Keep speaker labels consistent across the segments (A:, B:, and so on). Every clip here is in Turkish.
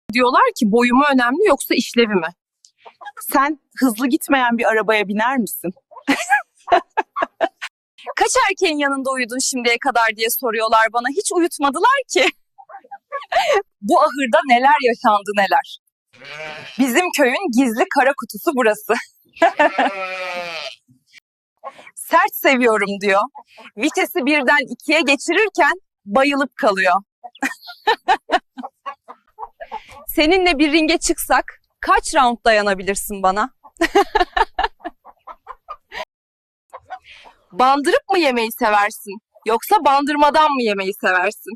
A: Diyorlar ki boyu mu önemli yoksa işlevi mi?
B: Sen hızlı gitmeyen bir arabaya biner misin?
A: Kaç erkeğin yanında uyudun şimdiye kadar diye soruyorlar bana. Hiç uyutmadılar ki. Bu ahırda neler yaşandı neler. Bizim köyün gizli kara kutusu burası. Sert seviyorum diyor. Vitesi birden ikiye geçirirken bayılıp kalıyor. Seninle bir ringe çıksak kaç round dayanabilirsin bana? Bandırıp mı yemeyi seversin? Yoksa bandırmadan mı yemeyi seversin?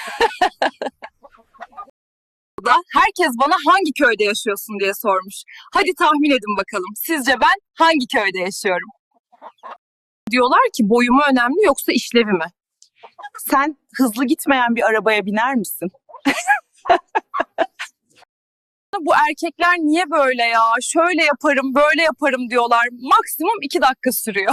A: Da herkes bana hangi köyde yaşıyorsun diye sormuş. Hadi tahmin edin bakalım. Sizce ben hangi köyde yaşıyorum? Diyorlar ki boyu mu önemli yoksa işlevi mi?
B: Sen hızlı gitmeyen bir arabaya biner misin?
A: Bu erkekler niye böyle ya? Şöyle yaparım, böyle yaparım diyorlar. Maksimum 2 dakika sürüyor.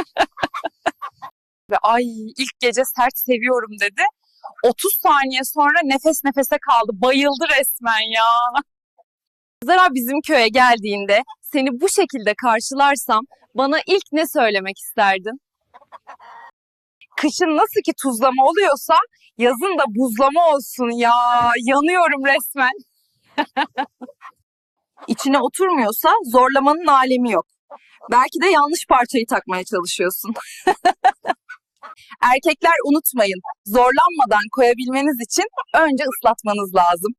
A: Ve ay ilk gece sert seviyorum dedi. 30 saniye sonra nefes nefese kaldı. Bayıldı resmen ya. Zara bizim köye geldiğinde seni bu şekilde karşılarsam bana ilk ne söylemek isterdin? Kışın nasıl ki tuzlama oluyorsa yazın da buzlama olsun ya. Yanıyorum resmen. İçine oturmuyorsa zorlamanın alemi yok. Belki de yanlış parçayı takmaya çalışıyorsun. Erkekler unutmayın, zorlanmadan koyabilmeniz için önce ıslatmanız lazım.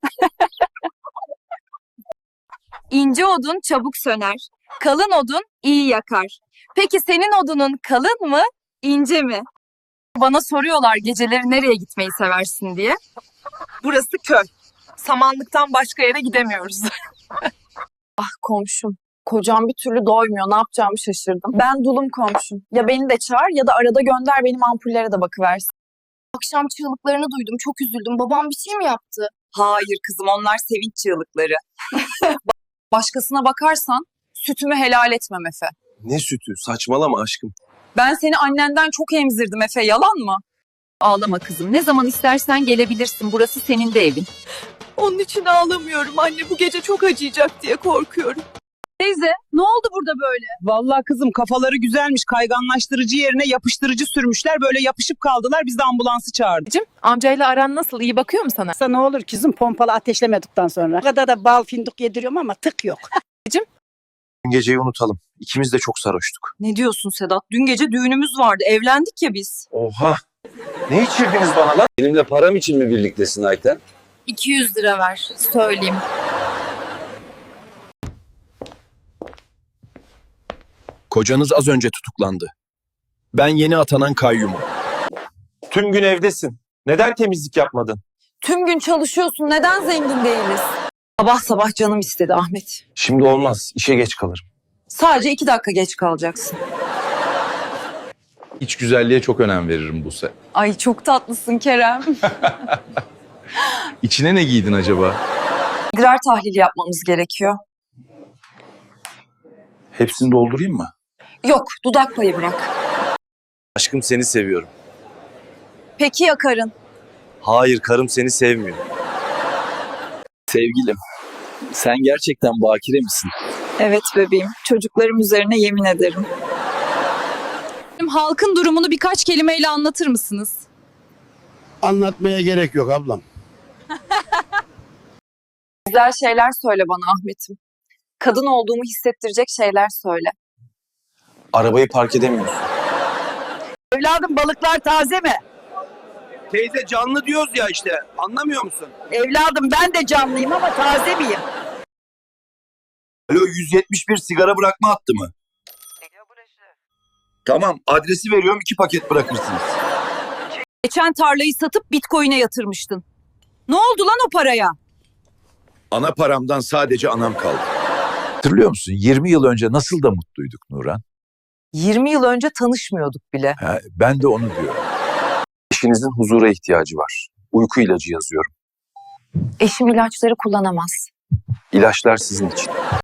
A: İnce odun çabuk söner, kalın odun iyi yakar. Peki senin odunun kalın mı, ince mi? Bana soruyorlar geceleri nereye gitmeyi seversin diye. Burası köy. Samanlıktan başka yere gidemiyoruz. Ah komşum. Kocam bir türlü doymuyor. Ne yapacağımı şaşırdım. Ben dulum komşum. Ya beni de çağır ya da arada gönder benim ampullere de bakıversin.
C: Akşam çığlıklarını duydum. Çok üzüldüm. Babam bir şey mi yaptı?
A: Hayır kızım onlar sevinç çığlıkları. Başkasına bakarsan sütümü helal etmem Efe.
D: Ne sütü? Saçmalama aşkım.
A: Ben seni annenden çok emzirdim Efe, yalan mı?
E: Ağlama kızım. Ne zaman istersen gelebilirsin. Burası senin de evin.
A: Onun için ağlamıyorum anne. Bu gece çok acıyacak diye korkuyorum. Teyze, ne oldu burada böyle?
F: Vallahi kızım kafaları güzelmiş. Kayganlaştırıcı yerine yapıştırıcı sürmüşler. Böyle yapışıp kaldılar. Biz de ambulansı çağırdık.
E: Amcayla aran nasıl? İyi bakıyor mu sana?
G: Ne olur kızım pompalı ateşlemedikten sonra. O kadar da bal fındık yediriyorum ama tık yok.
D: Dün geceyi unutalım. İkimiz de çok sarhoştuk.
A: Ne diyorsun Sedat? Dün gece düğünümüz vardı. Evlendik ya biz.
D: Oha! Ne içirdiniz bana lan?
H: Benimle param için mi birliktesin Ayten?
C: 200 lira ver. Söyleyeyim.
D: Kocanız az önce tutuklandı. Ben yeni atanan kayyumum. Tüm gün evdesin. Neden temizlik yapmadın?
A: Tüm gün çalışıyorsun. Neden zengin değiliz? Sabah sabah canım istedi Ahmet.
D: Şimdi olmaz. İşe geç kalırım.
A: Sadece 2 dakika geç kalacaksın.
H: İç güzelliğe çok önem veririm Buse.
A: Ay çok tatlısın Kerem.
H: İçine ne giydin acaba?
A: İdrar tahlili yapmamız gerekiyor.
D: Hepsini doldurayım mı?
A: Yok, dudak payı bırak.
D: Aşkım seni seviyorum.
A: Peki ya karın?
D: Hayır, karım seni sevmiyor. Sevgilim, sen gerçekten bakire misin?
A: Evet bebeğim. Çocuklarım üzerine yemin ederim. Halkın durumunu birkaç kelimeyle anlatır mısınız?
I: Anlatmaya gerek yok ablam.
A: Güzel şeyler söyle bana Ahmet'im. Kadın olduğumu hissettirecek şeyler söyle.
D: Arabayı park edemiyorsun.
G: Evladım balıklar taze mi?
D: Teyze canlı diyoruz ya işte. Anlamıyor musun?
G: Evladım ben de canlıyım ama taze miyim?
D: Alo 171 sigara bırakma hattı mı? Tamam adresi veriyorum 2 paket bırakırsınız.
A: Geçen tarlayı satıp Bitcoin'e yatırmıştın. Ne oldu lan o paraya?
J: Ana paramdan sadece anam kaldı. Hatırlıyor musun? 20 yıl önce nasıl da mutluyduk Nuran?
A: 20 yıl önce tanışmıyorduk bile.
J: Ben de onu diyorum.
D: Eşinizin huzura ihtiyacı var. Uyku ilacı yazıyorum.
C: Eşim ilaçları kullanamaz.
D: İlaçlar sizin için.